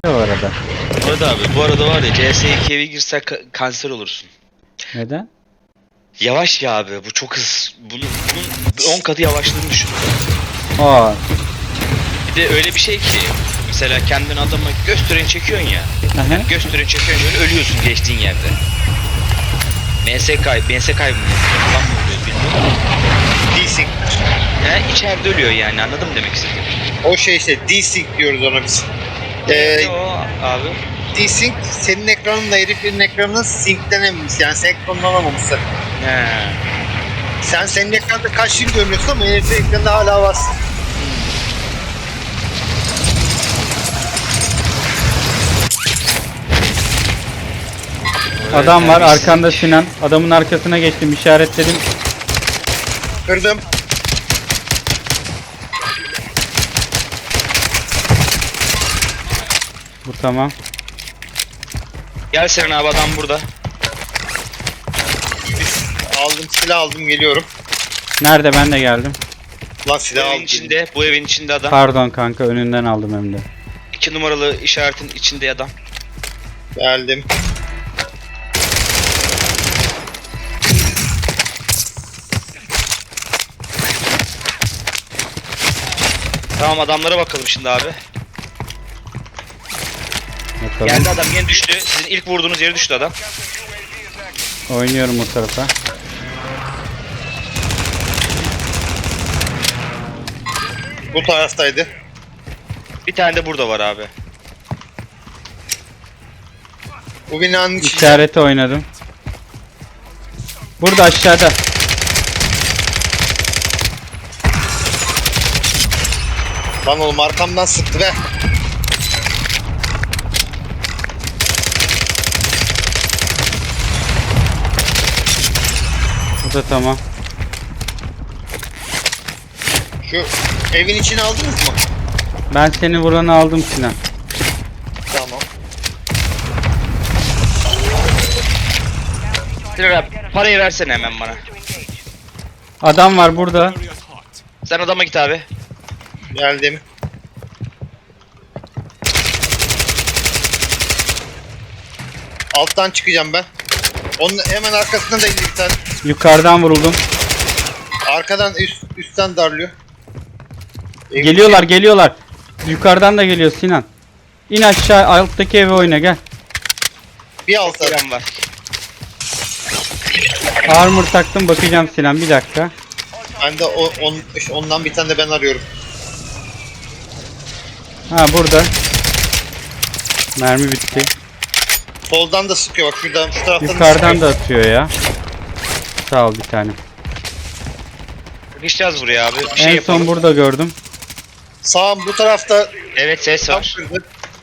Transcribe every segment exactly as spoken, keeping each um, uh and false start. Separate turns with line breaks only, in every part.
Bu arada.
Bu arada abi, bu arada var ya C S iki'ye bir girsen ka- kanser olursun.
Neden?
Yavaş ya abi, bu çok hız. Bunun, bunun on katı yavaşlığını düşün.
Aa,
Bir de öyle bir şey ki, mesela kendini adama gösteren çekiyorsun ya.
aha.
Gösteren çekiyorsun, şöyle ölüyorsun geçtiğin yerde. M S K, M S K mı falan mı oluyor bilmiyorum.
Desync.
He, içeride ölüyor yani, anladın mı demek istedim?
O şey işte desync diyoruz ona biz. Ee,
Ne o abi?
desync senin ekranınla herifin ekranının synclenememesi, yani senkronlanamaması.
He.
Sen senin ekranda kaçtığını görmüyorsun ama herifin ekranında hala varsın.
Adam var
terbiyesiz.
arkanda Sinan. Adamın arkasına geçtim, işaretledim.
Kırdım.
Bu tamam.
Gel Seren abi, adam burada.
Aldım, silah aldım, geliyorum.
Nerede, ben de geldim.
Lan
Bu
silah
evin
aldım.
içinde, bu evin içinde adam.
Pardon kanka, önünden aldım hem de.
İki numaralı işaretin içinde adam.
Geldim.
Tamam, adamlara bakalım şimdi abi.
Bakalım.
Geldi adam, yine düştü. Sizin ilk vurduğunuz yere düştü adam.
Oynuyorum o tarafa.
Bu taraftaydı.
Bir tane de burada var abi.
Bu binanın içinde.
İşareti oynadım. Burada aşağıda.
Lan oğlum arkamdan sıktı be.
Bu da tamam.
Şu evin içine aldınız mı?
Ben seni vuranı aldım Sinan.
Tamam.
Seren abi, parayı versene hemen bana.
Adam var burada.
Sen adama git abi.
Geldim. Alttan çıkacağım ben. Onun hemen arkasında da indi bir tane.
Yukarıdan vuruldum.
Arkadan üst, üstten darlıyor. Evin
Geliyorlar geliyorlar. Yukarıdan da geliyor Sinan. İn aşağı, alttaki eve oyna, gel.
içi- Bir altta.
Seren var.
Armor taktım, bakacağım Sinan, bir dakika.
Ben de o, on, ondan bir tane de ben arıyorum.
Ha, burada. Mermi bitti.
Soldan da sıkıyor bak, şuradan şu taraftan
Yukarıdan da
sıkıyor.
atıyor ya. Sağ ol bir tane.
Geçeceğiz buraya abi. Bir şey
En
yapalım.
son burada gördüm.
Sağım bu tarafta
Evet, ses
tam
var.
kırdı.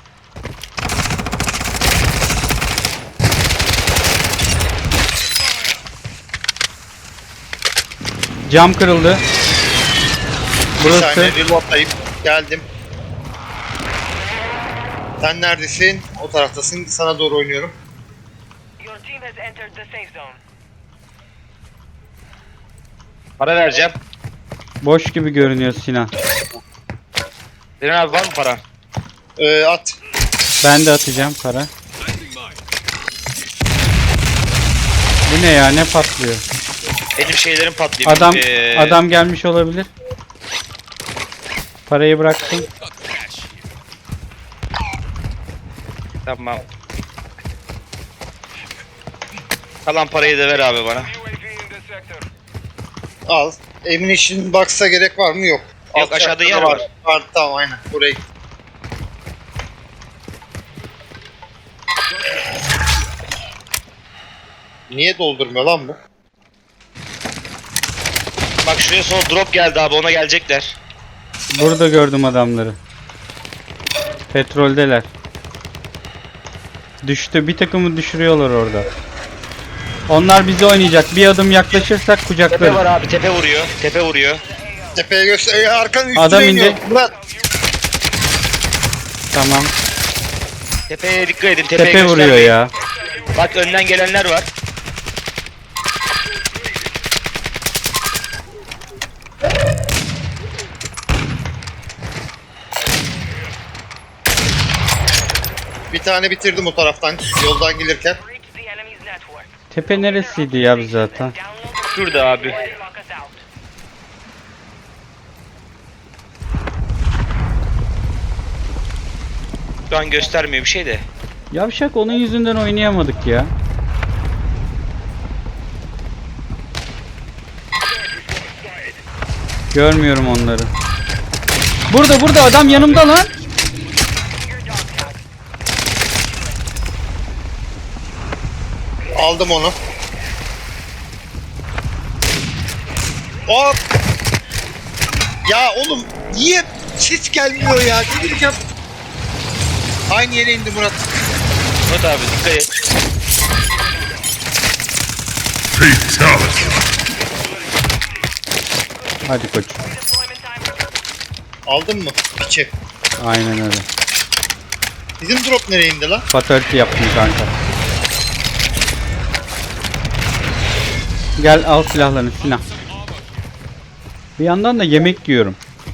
Cam kırıldı.
Bir
Burası.
saniye reloadlayıp geldim. Sen neredesin? O taraftasın. Sana doğru oynuyorum.
Your team has entered the safe zone.
Para vereceğim.
Boş gibi görünüyor Sinan.
Seren abi, var mı para?
Ee, at.
Ben de atacağım para. Bu ne ya, ne patlıyor?
Benim şeylerim patlıyor.
Adam
Ee,
adam gelmiş olabilir. Parayı bıraktım.
Tamam. Kalan parayı da ver abi bana.
U A V in the sector.
Al. Evin için baksa gerek var mı? Yok.
Yok,
Alt
aşağıda
tarafta
yer
da
var.
Var, tamam aynen. Buraya git. Niye doldurmuyor lan bu?
Bak şuraya sol drop geldi abi, ona gelecekler.
Burada gördüm adamları. Petroldeler. Düştü. Bir takımı düşürüyorlar orada. Onlar bizi oynayacak. Bir adım yaklaşırsak
Tepe
kucaklarız.
var abi, tepe vuruyor. Tepe vuruyor.
Tepeye göster. Ee, arkanın üstüne
Adam
iniyor.
indi.
Murat.
Tamam.
Tepeye dikkat edin. Tepeye
Tepe vuruyor
göstermeyin.
ya.
Bak önden gelenler var.
tane bitirdim o taraftan yoldan gelirken.
Reach the enemy's network.
Tepe neresiydi ya biz zaten?
Download the
Şurada abi.
lock us out.
Şu an göstermiyor bir şey de.
Yavşak onun yüzünden oynayamadık ya. Görmüyorum onları. Burada burada adam yanımda lan.
Your dog tag.
Aldım onu. Hop! Ya oğlum niye hiç gelmiyor ya? Gelirken aynı yere indi Murat.
Murat abi dikkat et.
Fatality.
Hadi koç.
Deployment time.
Aldın mı? Piçi.
Aynen öyle.
Bizim drop nereye indi lan?
Fatality yaptım kanka. Gel al silahlarını silah. Bir yandan da yemek yiyorum.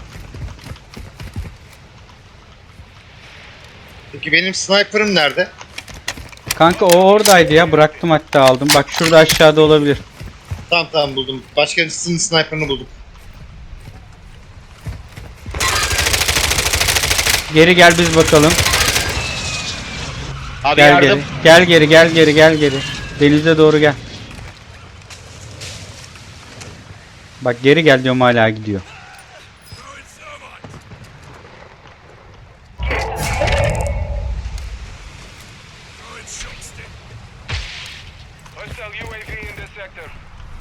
Peki benim sniper'ım nerede?
Kanka o oradaydı ya, bıraktım hatta aldım. Bak şurada aşağıda olabilir.
Tamam tamam buldum. Başkasının sniper'ını buldum.
Geri gel biz bakalım.
Abi
Gel
yardım.
geri. Gel geri gel geri gel geri. Denize doğru gel. Bak geri gel diyorum hala gidiyor.
Hostile U A V in this sector.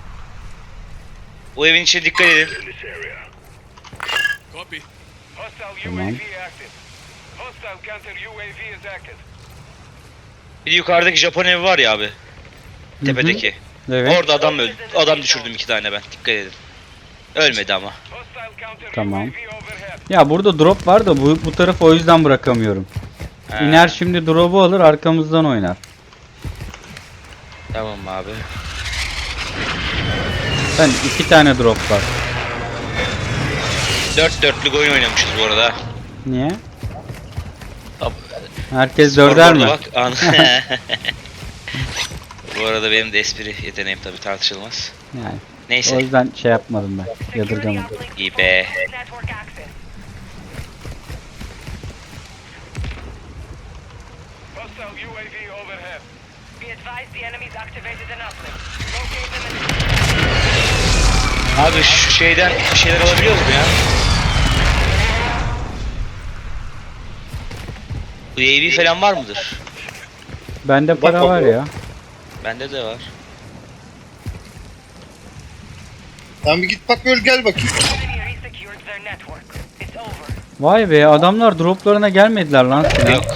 O evin içine dikkat edin.
Hostile
Tamam.
U A V active. Hostile counter U A V is active.
Bir de yukarıdaki Japon evi var ya abi. Tepedeki.
Evet.
Orada adam öldü. Adam düşürdüm iki tane ben. Dikkat edin. Ölmedi ama.
Hostile counter
Tamam.
U A V overhead.
Ya burada drop var da bu, bu tarafı o yüzden bırakamıyorum.
Ha,
İner şimdi drop'u alır arkamızdan oynar.
Tamam abi.
Sen iki tane drop var.
Dört dörtlük oyun oynamışız bu arada.
Niye?
Hop.
Herkes dörder mi?
Bak, an- bu arada benim de espri yeteneğim tabii tartışılmaz.
Yani o
Neyse.
yüzden şey yapmadım ben.
Security
Yadırgamadım.
uplink
İyi be.
network access. Hostile U A V overhead. Be advised the enemy's activated an uplink. Locate them and
Abi şu şeyden bir şeyler alabiliyoruz mu ya? Bu U A V falan var mıdır?
Bende para var ya.
Bende de var.
Tamam bir git bak öl gel bakayım.
enemy resecured their network. It's over.
Vay be adamlar droplarına gelmediler lan Sinan.
Yok.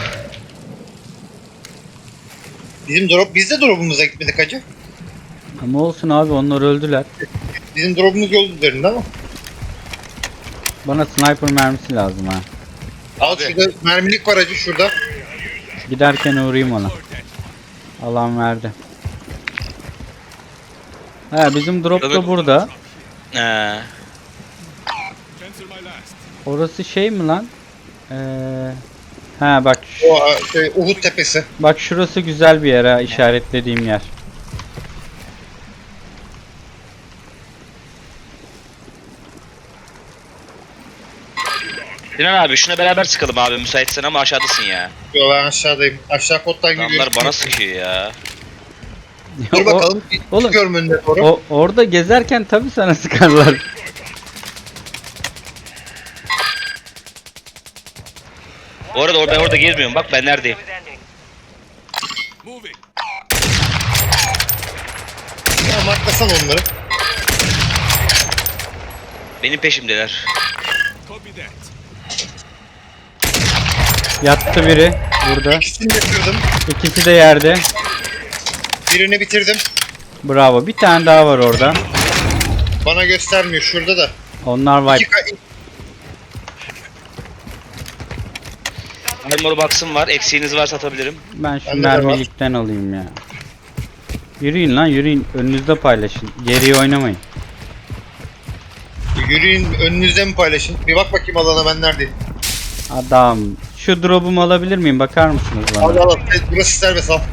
Bizim drop biz de drop'umuza gitmedik hacı.
Ama olsun abi onlar öldüler.
Bizim drop'umuz yol üzerinde ama.
Bana sniper mermisi lazım ha.
Al
Abi.
şurada mermilik var hacı şurada.
Giderken uğrayayım ona. Alan verdi. He bizim drop da
Tabii.
burada.
Ee,
Orası şey mi lan? Ee, ha bak şu-
O şey, Uhud tepesi.
bak şurası güzel bir yer ha, işaretlediğim yer.
Sinan abi şuna beraber sıkalım abi müsaitsen ama aşağıdasın ya.
Yo ben aşağıdayım. Aşağı kottan gidiyorum.
Adamlar bana sıkıyor ya.
Dur
O-
bakalım.
oğlum,
Çıkıyorum önüne doğru.
O orada gezerken tabii sana sıkarlar.
Bu arada or- ben orada gezmiyorum bak ben neredeyim.
Is ending.
Ya marklasan onları.
Benim peşimdeler.
Yattı biri burada.
İkisini de kırdım.
İkisi de yerde.
Birini bitirdim.
Bravo. Bir tane daha var orada.
Bana göstermiyor şurada da.
Onlar
İki
wipe.
ka-
Armor box'ım var. Eksiğiniz varsa atabilirim.
Ben şu
Bende de var.
mermilikten alayım ya. Yürüyün lan yürüyün. Önünüzde paylaşın. Geriye oynamayın.
Yürüyün önünüzde mi paylaşın? Bir bak bakayım alana ben neredeyim.
Adam Şu drop'umu alabilir miyim? Bakar mısınız
Al
bana?
al al. Evet, burası serbest al.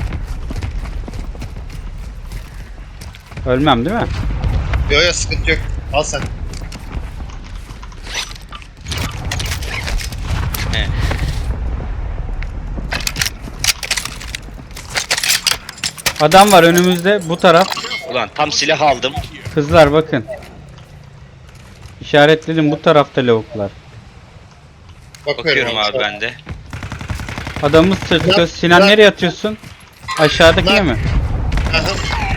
Ölmem değil mi?
Yok yok sıkıntı yok. Al sen.
He.
Adam var önümüzde bu taraf.
Ulan tam silah aldım.
Kızlar bakın. İşaretledim bu tarafta lavuklar.
Bakıyorum abi ben de.
Adamımız sırtıyor.
Bırak,
Sinan
bırak.
nereye atıyorsun? Aşağıdakine
Bırak.
mi?
Aha.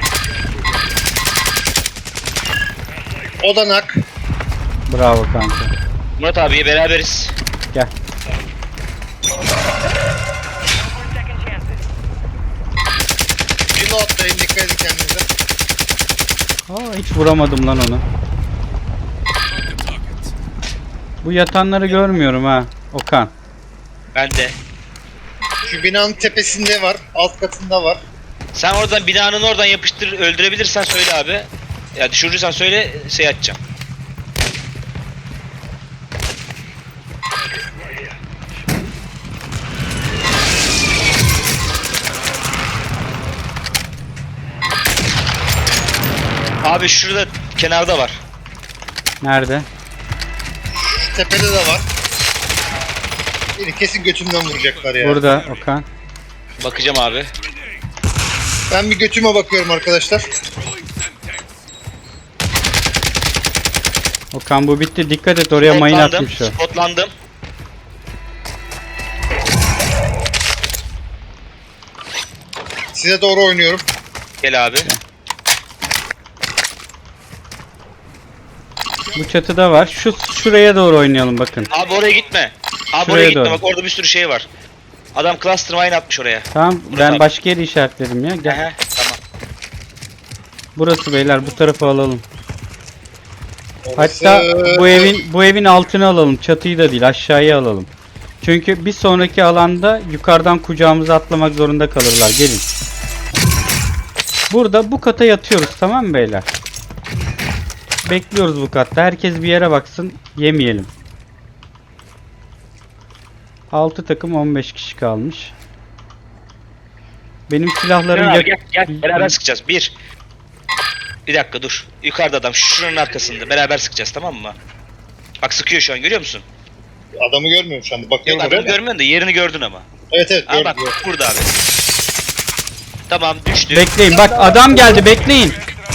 O da nak.
Bravo kanka.
Murat abiye beraberiz.
Gel.
For second chances.
Reload'dayım, dikkat edin kendinize.
Aa, hiç vuramadım lan onu. Bu yatanları görmüyorum ha. Okan.
Ben de.
Şu binanın tepesinde var, alt katında var.
Sen oradan binanın oradan yapıştır öldürebilirsen söyle abi. Ya düşürürsen söyle şey atacağım. Abi şurada kenarda var.
Nerede?
Şu tepede de var. Beni kesin götümden vuracaklar ya.
Burada Okan.
Bakacağım abi.
Ben bir götüme bakıyorum arkadaşlar.
Okan bu bitti. Dikkat et oraya mayın
Spotlandım,
atmış o.
spotlandım.
Size doğru oynuyorum.
Gel abi.
Bu çatıda var. Şu şuraya doğru oynayalım bakın.
Abi oraya gitme. Abi
Şuraya
oraya gitme
doğru.
bak orada bir sürü şey var. Adam cluster mine atmış oraya.
Tamam
Murat
ben
abi.
başka yeri işaretledim ya. Gel.
Ehe, tamam.
Burası beyler bu tarafa alalım.
Orası-
Hatta bu evin bu evin altını alalım. Çatıyı da değil aşağıya alalım. Çünkü bir sonraki alanda yukarıdan kucağımıza atlamak zorunda kalırlar. Gelin. Burada bu kata yatıyoruz tamam mı beyler? Bekliyoruz bu katta. Herkes bir yere baksın. Yemeyelim. altı takım on beş kişi kalmış. Benim silahlarım
Gel,
yak-
gel, gel beraber sıkacağız. Bir. Bir dakika dur. Yukarıda adam şuranın arkasında. Beraber sıkacağız tamam mı? Bak sıkıyor şu an görüyor musun?
Adamı görmüyorum şu anda.
Yok
Bakıyorum
adamı
oraya. da.
görmüyorsun da yerini gördün ama.
Evet evet
Ha
gördüm.
bak burada abi. Tamam düştü.
Bekleyin. Bak adam geldi. Bekleyin.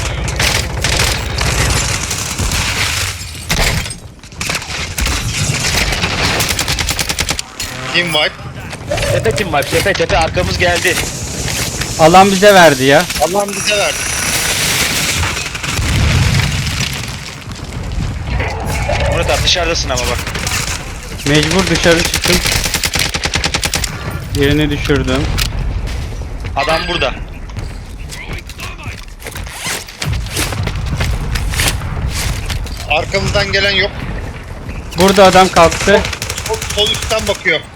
Team wipe.
Tepe kim var? Tepe tepe arkamız geldi.
Alan bize verdi ya.
Allah'ım bize verdi.
Murat abi dışarıdasın ama bak.
Mecbur dışarı çıktım. Yerini düşürdüm.
Adam burada.
Arkamızdan gelen yok.
Burada adam kalktı.
Sol, sol üstten bakıyor.